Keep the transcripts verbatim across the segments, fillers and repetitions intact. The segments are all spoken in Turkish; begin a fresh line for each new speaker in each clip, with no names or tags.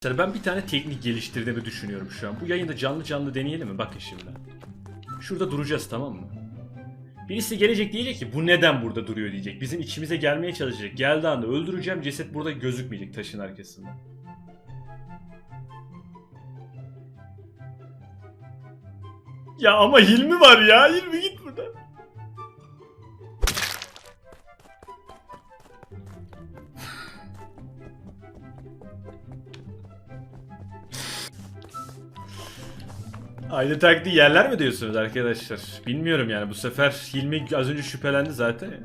Ben bir tane teknik geliştirdiğimi düşünüyorum şu an. Bu yayında canlı canlı deneyelim mi? Bakın şimdi. Şurada duracağız, tamam mı? Birisi gelecek, diyecek ki bu neden burada duruyor diyecek. Bizim içimize gelmeye çalışacak. Geldiği anda öldüreceğim, ceset burada gözükmeyecek taşın arkasında. Ya ama Hilmi var ya. Hilmi git buradan. Aynı taktiği yerler mi diyorsunuz arkadaşlar? Bilmiyorum yani, bu sefer Hilmi az önce şüphelendi zaten ya.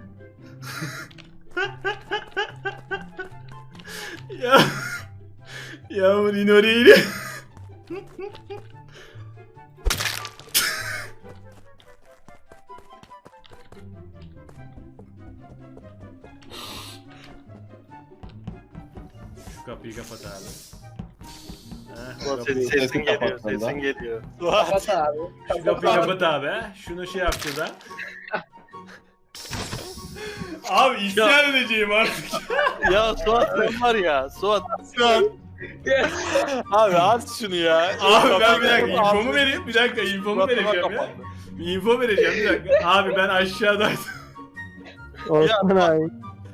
ya Yağmur in oraya in. Şu kapıyı kapat abi.
Ulan sesin, sesin geliyor, sesin geliyor.
Kapat abi.
Şu kapıyı kapat abi. Şunu şey yaptı da. Abi isyan edeceğim artık.
Ya Suat sen var ya, Suat. Suat. Abi aç şunu ya.
Abi ben bir dakika infomu vereyim. Bir dakika infomu vereceğim ya. Bir info vereceğim bir dakika. Abi ben aşağıdaydım.
Osman abi.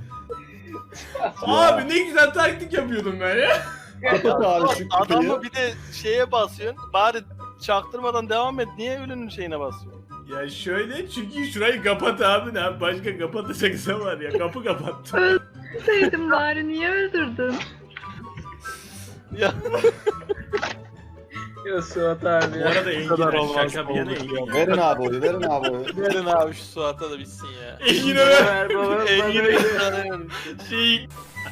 Abi ne güzel taktik yapıyordum ben ya.
Kapat abi şu kapıyı.
Adamı bir de şeye basıyorsun. Bari çaktırmadan devam et. Niye ölünün şeyine basıyorsun?
Ya şöyle, çünkü şurayı kapat abi, ne başka kapatacak ne var ya, kapı kapattım.
Öldürseydim bari, niye öldürdün?
Ya
Ya Suat abi
Bu
ya.
arada Engin
kadar olmaz,
şaka bir yana
oldu
Engin ya.
Verin abi oyu, verin abi oyu.
verin abi şu Suat'a da bitsin ya.
Engin'e ver.
Ver baba.
Engin'e
bana.
şey.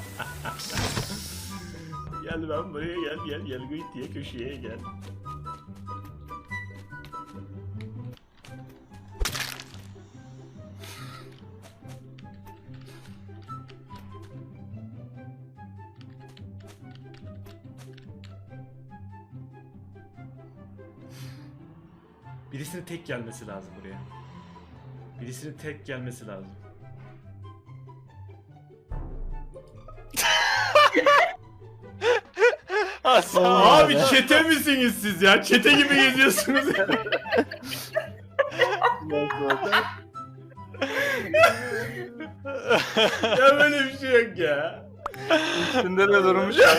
Gel lan buraya, gel gel gel gıyt diye köşeye gel. Birisinin tek gelmesi lazım buraya. Birisinin tek gelmesi lazım. Abi çete misiniz siz ya? Çete gibi geziyorsunuz ya. Ya böyle bir şey yok ya.
Üstünde de durmuş ya.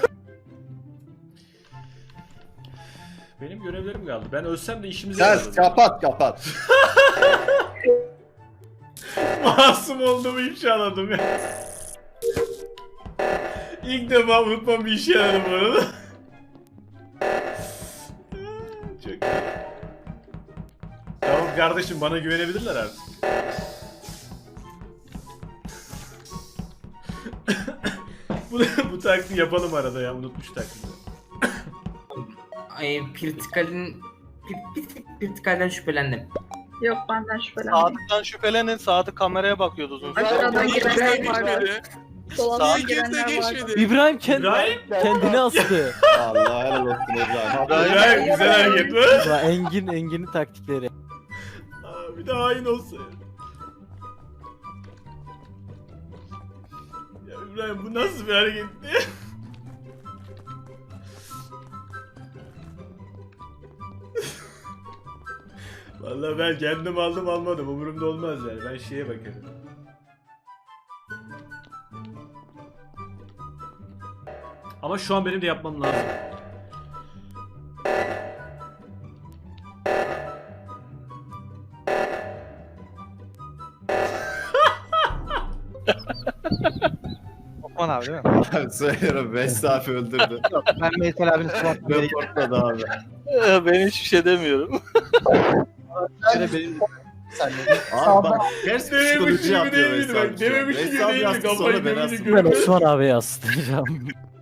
Benim görevlerim kaldı. Ben ölsem de işimize
Sen
yararız.
kapat kapat.
Masum olduğumu ifşaladım ya. İlk defa unutmam bir işe yaradı bu arada. Çok iyi. Tamam kardeşim, bana güvenebilirler artık. bu, bu taktiği yapalım arada ya, unutmuş taktiği.
Ay, Pirtikal'in Pir- Pir- Pirtikal'den şüphelendim.
Yok, benden şüphelenmeyin.
Sadık'tan şüphelenin. Sadık kameraya bakıyordu uzun süre.
Aşağıdan girenler var. Solandan
Sadık
girenler var.
İbrahim kendi,
İbrahim?
kendini astı.
Allah helal olsun İbrahim.
Güzel, güzel hareket bu.
Ya Engin Engin'in taktikleri.
Aa, bir de hain olsa ya. Ya İbrahim, bu nasıl bir hareketti? Vallahi ben kendim aldım almadım, umurumda olmaz yani, ben şeye bakarım. Ama şu an benim de yapmam lazım.
Osman abi değil mi?
Abi söylüyorum Mesafe öldürdü.
Ben Meysel abinin Suat
Reportladı abi.
Ee, Ben hiçbir şey demiyorum.
Abi bak ters
Dememiş
psikoloji
gibi
yapıyor
değildi
Veysel.
bak, dememiş gibi
Veysel
değildi,
yastı,
kafayı
sonra ben
demedi,
astım.
görüyor
Ben
musun?
Osman abiye astıracağım.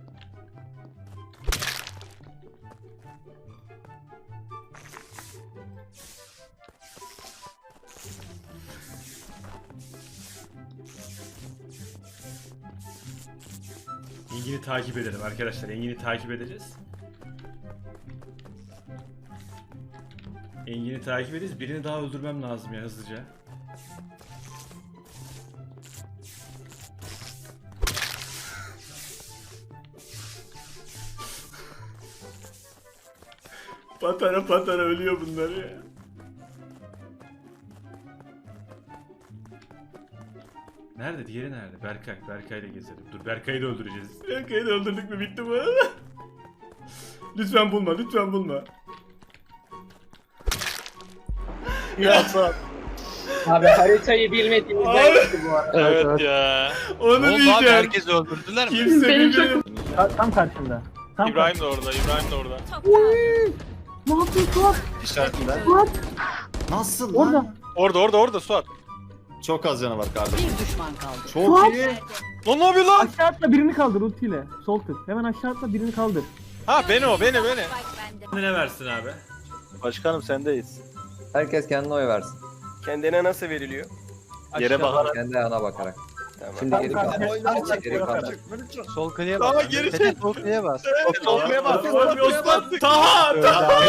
Engin'i takip edelim arkadaşlar. Engin'i takip edeceğiz. Engin'i takip edeceğiz. Birini daha öldürmem lazım ya, hızlıca. Patara patara ölüyor bunlar ya. Nerede? Diğeri nerede? Berkay. Berkay'la gezelim. Dur Berkay'ı da öldüreceğiz. Berkay'ı da öldürdük mü bitti bu arada. Lütfen bulma, lütfen bulma.
Ya Suat.
Abi haritayı bilmediğimizden
Abi.
gitti bu arada.
Evet ya.
Onu
Ne oldu abi,
diyeceğim.
herkesi öldürdüler mi?
Kimse
Benim
birbirini...
Tam karşında. Tam
İbrahim de orada, İbrahim de orada.
Ne yapıyorsun Suat?
İşaretinde. Nasıl
Orada.
lan?
Orada, orada, orada Suat.
Çok az canı var kardeşim.
Bir düşman kaldı.
Çok iyi.
Lan ne yapıyor lan?
Aşağı atla birini kaldır ultiyle. Sol tık. Hemen aşağı atla birini kaldır.
Ha beni o, beni, beni.
Ne versin abi?
Başkanım sendeyiz.
Herkes kendine oy versin.
Kendine nasıl veriliyor?
Yere bakarak.
Kendi ayağına bakarak.
Tamam.
Şimdi geri kaldır. Geri kaldır.
Sol kliğe bas.
Daha geri
Tete sol kliğe bas.
Solmaya bak.
Abi Osman. Taha! Taha!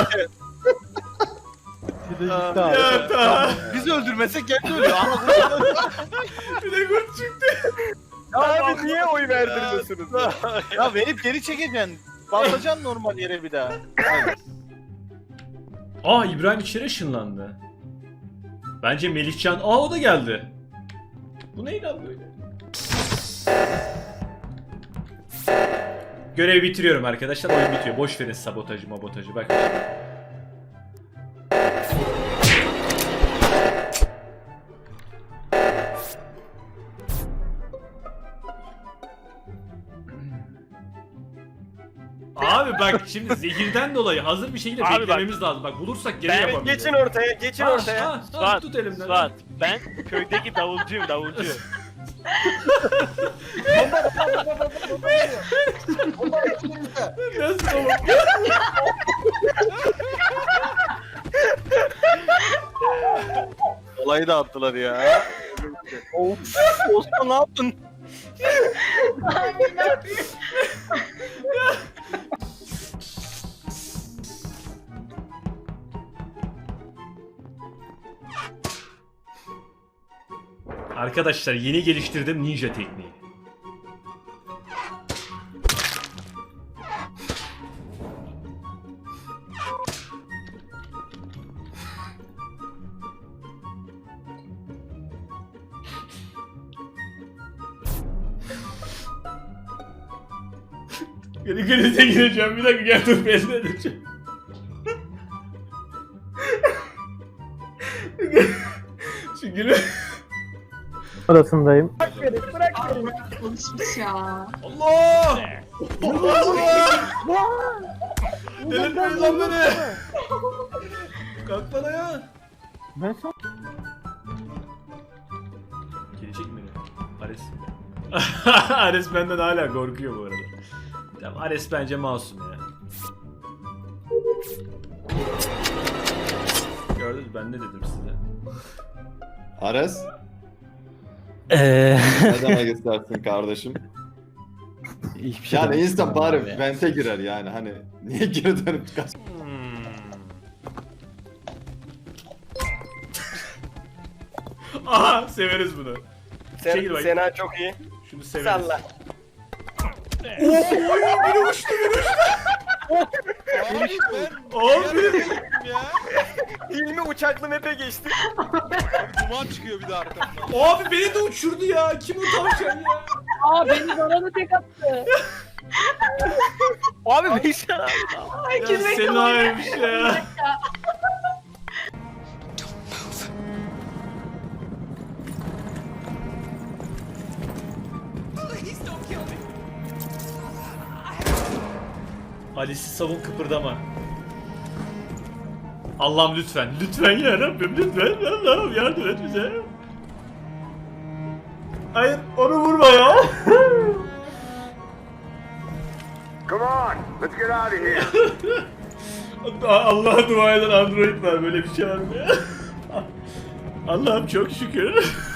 Bir de gitti abi.
Ya Taha!
Biz öldürmesek kendi ölüyor.
Bir de kurt çıktı.
Abi niye oy verdirmiyorsunuz? ya?
Ya verip geri çekeceksin. Basacaksın normal yere bir daha.
Aa İbrahim içeri ışınlandı. Bence Melihcan... Aa o da geldi. Bu ne lan böyle? Görevi bitiriyorum arkadaşlar. Oyun bitiyor. Boş verin sabotajı mabotajı. Bak. Abi bak şimdi zehirden dolayı hazır bir şekilde
Abi bak.
beklememiz lazım. Bak bulursak geri
Ben
yapamayacağız.
geçin ortaya, geçin
Ha,
ortaya.
ha, ha,
Suat,
tut elimden.
Suat, ben köydeki davulcuyum, davulcu.
Nasıl olur?
Olayı da attılar ya. Of, Osman ne yaptın?
Arkadaşlar yeni geliştirdim ninja tekniği. Geri krize gireceğim. Bir dakika gel dur belli edeceğim. Şu gülü...
Odasındayım.
Konuşmuş ya.
Allah! Allah! Delirtmeyin lan beni! Kalk bana ya!
Ben son...
Gelecek mi? Ares. Ares benden hala korkuyor bu arada. Tamam Ares bence masum ya. Gördünüz mü? Ben ne dedim size?
Ares.
Eee.
Ne demek istersin kardeşim?
Hiçbir şey
Yani
demek
insan
istemiyorum
bari
ya.
vente girer yani hani. Niye geri dönüp kaç?
Aha severiz bunu.
Sen,
Çekil bakayım.
Sena çok iyi.
Şunu severiz.
Salla.
Oh, biri uçtu biri uçtu. Abi.
Hilmi uçaklı map'e geçti.
Duman çıkıyor bir de arkamdan.
Abi beni de uçurdu ya. Kim o tavşan ya?
Aa beni bana da tek attı.
Abi Beyşan abi.
Ya Sena'ymış ya. Alice'i savun kıpırdama. Allah'ım lütfen, lütfen ya Rabbim lütfen Allah'ım yardım et bize. Hayır onu vurma ya.
Come on, let's get out of here.
Allah'a dua eden Android var böyle bir şey var mı ya? Allah'ım çok şükür.